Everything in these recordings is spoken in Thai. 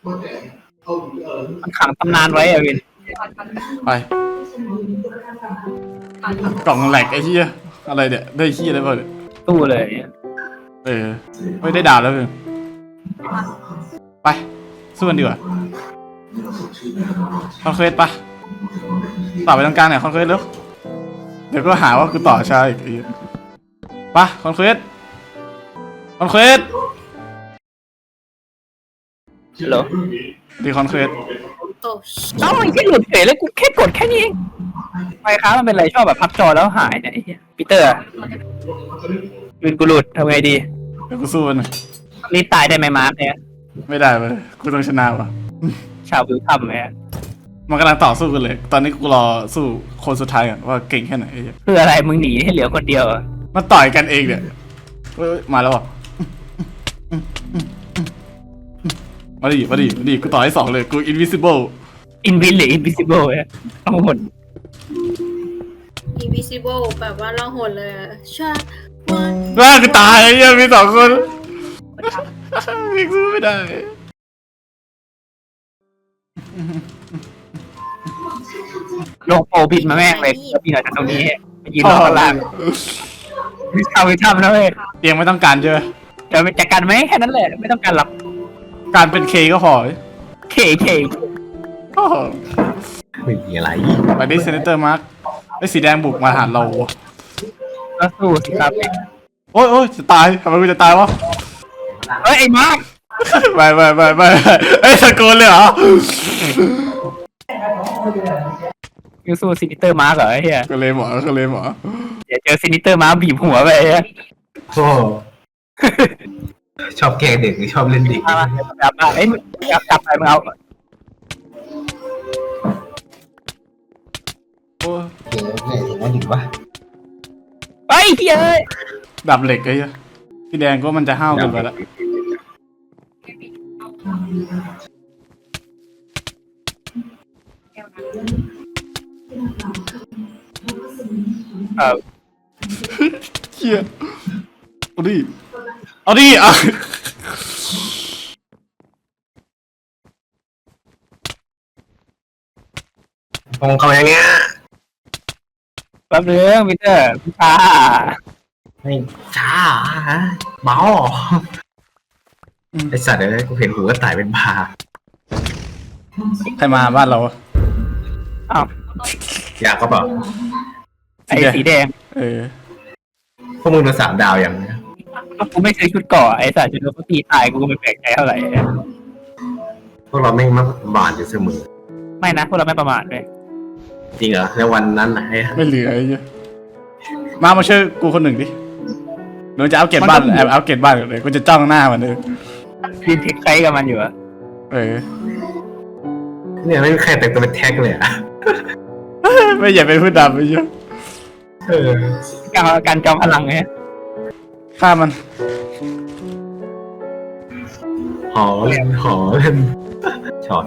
มันขังตำนานไว้อะวินไปกล่องแหลกไอ้เหี้ยอะไรเนี่ยได้เหี้ยอะไรบ้างเนี่ยตู้เลยไม่ได้ดาวแล้วเพื่อนไปสู้กันดีกว่าคอนเควสปะต่อไปตรงกลางเนี่ยคอนเควสเร็วเดี๋ยวก็หาว่ากูต่อช้าอีกปะคอนเควสเหรอดีคอนเควสเอ้ามันแค่หลุดเฉยเลยกูแค่กดแค่นี้เองไมค้ามันเป็นไรชอบแบบพับจอแล้วหายเนี่ยไอ้เหี้ยปีเตอร์วินกูหลุดทำไงดีเดี๋ยวกูสู้มันนี่ตายได้ไหมมาร์คเนี่ยไม่ได้เลยกูต้องชนะว่ะชาววิวทำไหมมันกำลังต่อสู้กันเลย ตอนนี้กูรอสู้คนสุดท้ายก่อนว่าเก่งแค่ไหนไอ้เหี้ยคืออะไรมึงหนีให้เหลือคนเดียวอะมันต่อยกันเองเนี่ยเฮ้ยมาแล้วอ่ะมาดิกูต่อให้2เลยกู invisible อินวินหรืออินวิซิเบิลเนี่ยต้องหมด invisible แบบว่าล่องหนเลยอะชาวันว่ากูตายไอ้เหี้ยมี2 คนมีสู้ไม่ได้ลงโปรบินมาแม่งเลยแล้วบินออกจากตรงนี้ไปยืนรอข้างล่างวิชาวิชานะเว้ยเตียงไม่ต้องการใช่ไหมจะไปจัดการไหมแค่นั้นแหละไม่ต้องการหรอกการเป็นเคก็พอเคโอ้โหไม่มีอะไรไปดิเซนเตอร์มาร์คไอ้สีแดงบุกมาหาเราก็สู้สิครับโอ้ยจะตายทำไมกูจะตายวะเอ้ยไอ้มาร์คไม่ไอ้ยตะโกนเลยเหรอยูสู้ซินิเตอร์มาร์คเหรอไอ้เหี้ยก็เลยหมอเดี๋ยวเจอซินิเตอร์มาร์คบีบหัวไปไอ้เหี้ยโอ้ชอบแกล้งเด็กหรือชอบเล่นเด็กมาจับไอ้ยจับไปมึงเอาโอ้ยเกมเนี่ยอย่างนั้นดีวะไอ้เหี้ยเอ้ยดับเหล็กไอ้เหี้ยสีแดงก็มันจะห้าวเกินไปแล้ว เชี่ยเอาดิอ่ะมองเขาอย่างเงี้ยแป๊บนึงพีเตอร์พี่ตาไม่ช้าฮะเบาไอสัตว์เอ้ยกูเห็นหูก็ตายเป็นบาใครมาบ้านเราอ้าวอยากก็บอกไอ้สีแดงพวกมึงโดน3 ดาวอย่างเนี้ยก็กูไม่ซื้อชุดเกราะไอ้สัตว์จนเขาตีตายกูก็ไม่แปลกใจเท่าไหร่พวกเราไม่มาบานอยู่เสมอไม่นะพวกเราไม่ประมาทเลยจริงเหรอในวันนั้นไหนไม่เหลือไอ้เหี้ยมาช่วยกูคนหนึ่งดิหนูจะเอาเก็บบ้านเอาเก็บบ้านเลยกูจะจ้องหน้ามันเลยยืนเทคไคกับมันอยู่อะเนี่ยไม่มีใครแต่งตัวเป็นแท็กเลยอ่ะไม่อย่าเป็นผู้ดำไอ้เหี้ยการจอมพลังไงฆ่ามันหอเล่นชอบ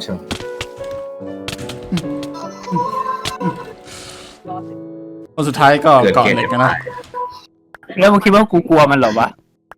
คนสุดท้ายก็เกิดเกาะเกมเหล็กกันนะแล้วมึงคิดว่ากูกลัวมันเหรอวะ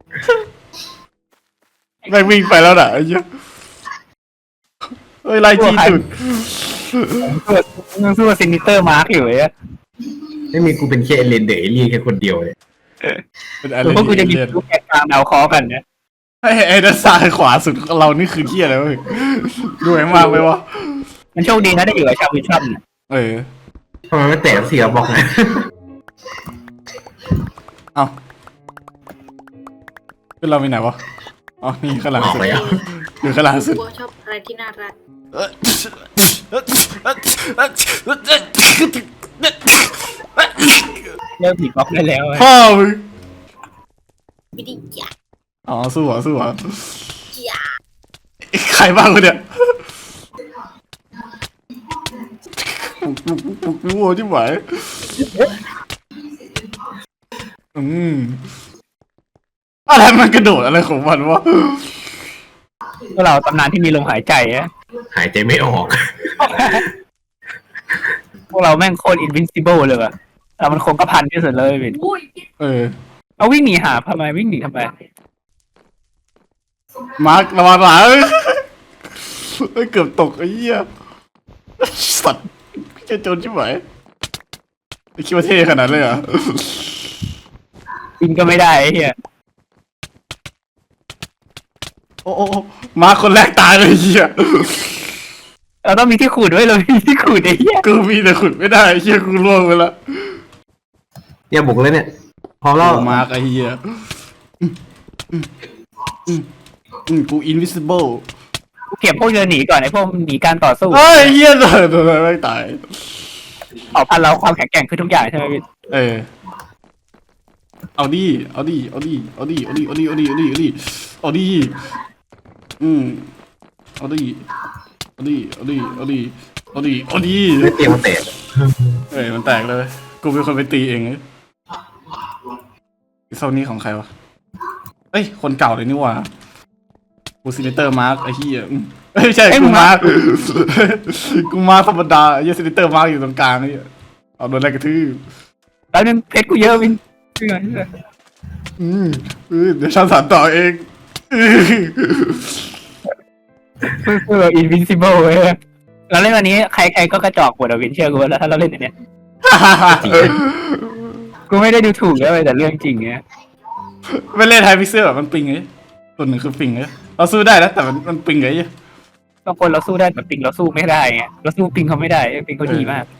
แม่งวิ่งไปแล้วน่ะไอ้เหี้ยเฮ้ยไล่จี้สุดมึงสู้กับซินิเตอร์มาร์กอยู่ไอ้ไม่มีกูเป็นแค่เอเลนเดอร์เอเลียนแค่คนเดียวเลยเป็นอะไรหรือว่ากูจะมีลูกแกะกลางดาวเคอกันเนี่ยไอ้ด้านซ้ายขวาสุดของเรานี่คือเหี้ยอะไรวะดูแม่งมากไหมวะมันโชคดีนะได้อยู่กับชาววิชั่นทำไมไม่แตะเสียบอกนะเอาขึ้นเราไปไหนวะอ๋อนี่ข้างหลังออกสุดไปอ่ะอยู่ข้างหลังสุดกูชอบอะไรที่น่ารักเริ่มผีบล็อกได้แล้วพ่อมึงวิธีจ่าอ๋อสู้เหรอจ่าใครบ้างวะเนี่ยปุกวัวที่ไหวอะไรมันกระโดดอะไรของมันวะพวกเราตำนานที่มีลมหายใจอะหายใจไม่ออกพวกเราแม่งโคตรอินวินซิเบิลเลยว่ะแต่มันคงกระพันที่สุดเลยวิน เอาวิ่งหนีหาทำไมวิ่งหนีทำไมมาร์คระวังหลังเอ้ยเกือบตกไอ้เหี้ยสัตว์จะโจรใช่ไหมไอ้คิดว่าเท่ขนาดเลยเหรอบินก็ไม่ได้ไอ้เหี้ยโอ้โอ้โอ้มาคนแรกตายเลยไอ้เหี้ยเราต้องมีที่ขูดด้วยเรามีที่ขูดไอ้เหี้ยกูมีแต่ขุดไม่ได้ไอ้เหี้ยกูล่วงไปละเนี่ยบุกเลยเนี่ยพร้อมแล้วโอ้มาร์กไอ้เหี้ยกู invisible กูเก็บพวกเดินหนีก่อนไอ้พวกหนีการต่อสู้เฮ้ยเหี้ยเลยโดนอะไรไม่ตายเผ่าพันธุ์เราความแข็งแกร่งคือทุกอย่างใช่ไหมพี่เออเอาดิเอาดิเอาดิเอาดิเอาดิเอาดิเอาดิเอาดิเอาดิเอาดิเอาดิเอาดิเอาดิเอาดิเอาดิเอาดิไม่เตรียมมาเตะเอ้ยมันแตกเลยกูเป็นคนไปตีเองเลยไอ้โซนนี้ของใครวะเอ้ยคนเก่าเลยนี่หว่ากูซินิเตอร์มาร์กไอ้เหี้ยเอ้ยไม่ใช่กูมาร์กกูมาร์กธรรมดาไอ้เหี้ยซินิเตอร์มาร์กอยู่ตรงกลางไอ้เหี้ยเอาโดนอะไรกระทืบแล้วนึงเพชรกูเยอะวินเพื่อนเดี๋ยวฉันสานต่อเองเพื่ออินวินซิเบิลเว้ยเราเล่นวันนี้ใครๆก็กระจอกหมดอะวินเชื่อกูแล้วถ้าเราเล่นอันเนี้ยกูไม่ได้ดูถูกแล้วแต่เรื่องจริงเนี้ยไม่เล่นไฮพิกเซลแบบมันปิงไงตัวหนึ่งคือปิงไงเราสู้ได้นะแต่มันปิงไงบางคนเราสู้ได้แต่ปิงเราสู้ไม่ได้ไงเราสู้ปิงเขาไม่ได้ปิงเขาดีมาก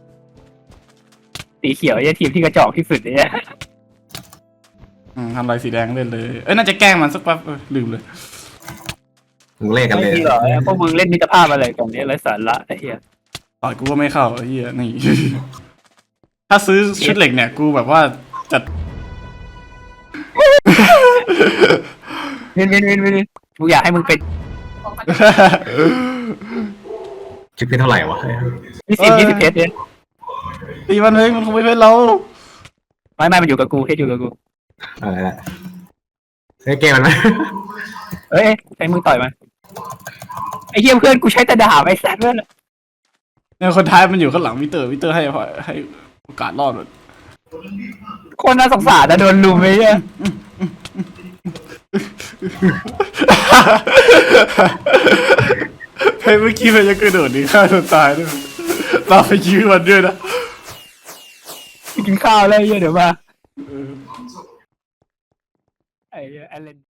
สีเขียวไอ้ทีมที่กระจอกที่สุดเนี่ยทำลายสีแดงเล่นเลยเอ้ยน่าจะแกล้งมันสักแป๊บลืมเลยมึงเล่นกันเลไม่ยดีหรอพวกมึงเล่นมิตรภาพอะไรกันเนี่ยไร้สาระไอ้เหี้ยต่อยกูก็ไม่เข้าไอ้เหี้ยนี่ ถ้าซื้อชุดเหล็กเนี่ยกูแบบว่าจัดวินกูอยากให้มึงเป็นคิดเป็นเท่าไหร่วะ 20เพชรเนี่ยตีมันเลยมันคงไม่เป็นเราไม่มันอยู่กับกูเพชรอยู่กับกูอะไรละเฮ้ยเกมมันไหมเอ้ยใช้มึงต่อยมันไอ้เหี้ยเพื่อนกูใช้แต่ดาบไอ้สัตว์เพื่อนเนี่ยคนท้ายมันอยู่ข้างหลังวิเตอร์ให้โอกาสรอดเลยคนน่าสงสารนะโดนลุมไอ้เหี้ยเฮ้ยเมื่อกี้มันจะกระโดดหนีฆ่าตัวตายด้วยเราไปยื้อมันด้วยนะกินข้าวแล้วไอ้เหี้ยเดี๋ยวมาไอ้เหี้ยแอลเลน